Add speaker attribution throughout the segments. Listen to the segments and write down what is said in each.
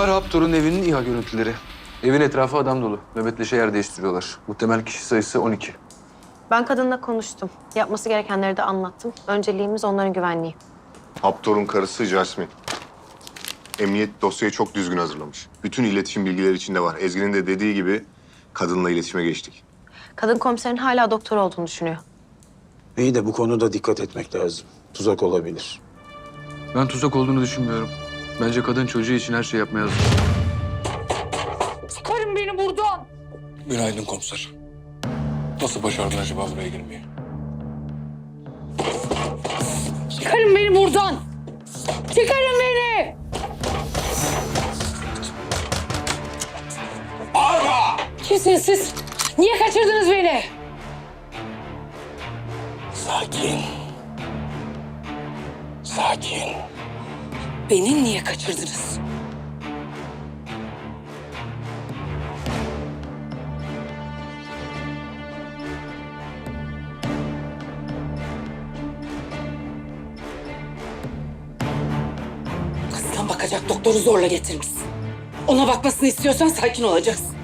Speaker 1: Bunlar Haptor'un evinin İHA görüntüleri. Evin etrafı adam dolu. Nöbetleşe yer değiştiriyorlar. Muhtemel kişi sayısı 12.
Speaker 2: Ben kadınla konuştum. Yapması gerekenleri de anlattım. Önceliğimiz onların güvenliği.
Speaker 3: Haptor'un karısı Jasmine. Emniyet dosyayı çok düzgün hazırlamış. Bütün iletişim bilgileri içinde var. Ezgi'nin de dediği gibi kadınla iletişime geçtik.
Speaker 2: Kadın komiserin hala doktor olduğunu düşünüyor.
Speaker 4: İyi de bu konuda dikkat etmek lazım. Tuzak olabilir.
Speaker 1: Ben tuzak olduğunu düşünmüyorum. Bence kadın çocuğu için her şey yapmaya hazır.
Speaker 5: Çıkarın beni buradan.
Speaker 6: Günaydın komiser. Nasıl başardın acaba buraya girmeyi?
Speaker 5: Çıkarın beni buradan. Çıkarın beni. Kimsiniz siz? Niye kaçırdınız beni?
Speaker 6: Sakin. Sakin.
Speaker 5: Beni niye kaçırdınız? Kızdan bakacak doktoru zorla getirmişsin. Ona bakmasını istiyorsan sakin olacaksın.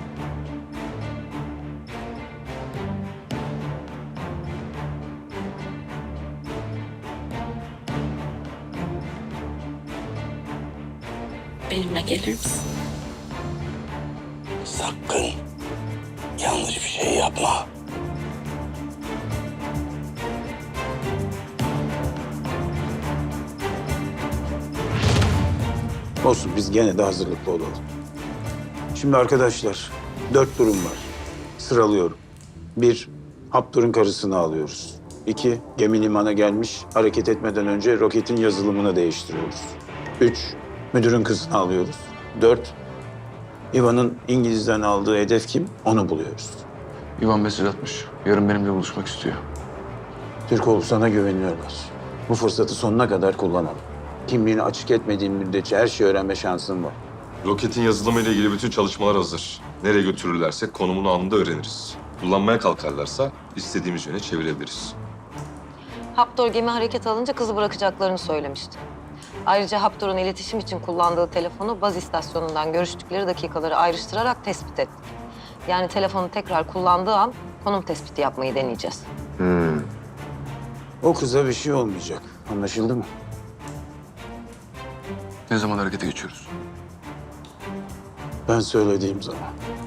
Speaker 5: Benimle gelir misin?
Speaker 6: Sakın. Yanlış bir şey yapma.
Speaker 4: Olsun, biz gene de hazırlıklı olalım. Şimdi arkadaşlar, 4 durum var. Sıralıyorum. 1, Haptor'un karısını alıyoruz. 2, gemi limana gelmiş, hareket etmeden önce roketin yazılımını değiştiriyoruz. 3, müdürün kızını alıyoruz. 4, İvan'ın İngiliz'den aldığı hedef kim? Onu buluyoruz.
Speaker 1: İvan mesaj atmış. Yarın benimle buluşmak istiyor.
Speaker 4: Türkoğlu, sana güveniyorlar. Bu fırsatı sonuna kadar kullanalım. Kimliğini açık etmediğin müddetçe her şeyi öğrenme şansın var.
Speaker 3: Roketin yazılımıyla ilgili bütün çalışmalar hazır. Nereye götürürlerse konumunu anında öğreniriz. Kullanmaya kalkarlarsa istediğimiz yöne çevirebiliriz.
Speaker 7: Haptor gemi hareket alınca kızı bırakacaklarını söylemişti. Ayrıca Haptor'un iletişim için kullandığı telefonu baz istasyonundan görüştükleri dakikaları ayrıştırarak tespit ettik. Yani telefonu tekrar kullandığı an konum tespiti yapmayı deneyeceğiz.
Speaker 4: O kıza bir şey olmayacak. Anlaşıldı mı?
Speaker 1: Ne zaman harekete geçiyoruz?
Speaker 4: Ben söylediğim zaman.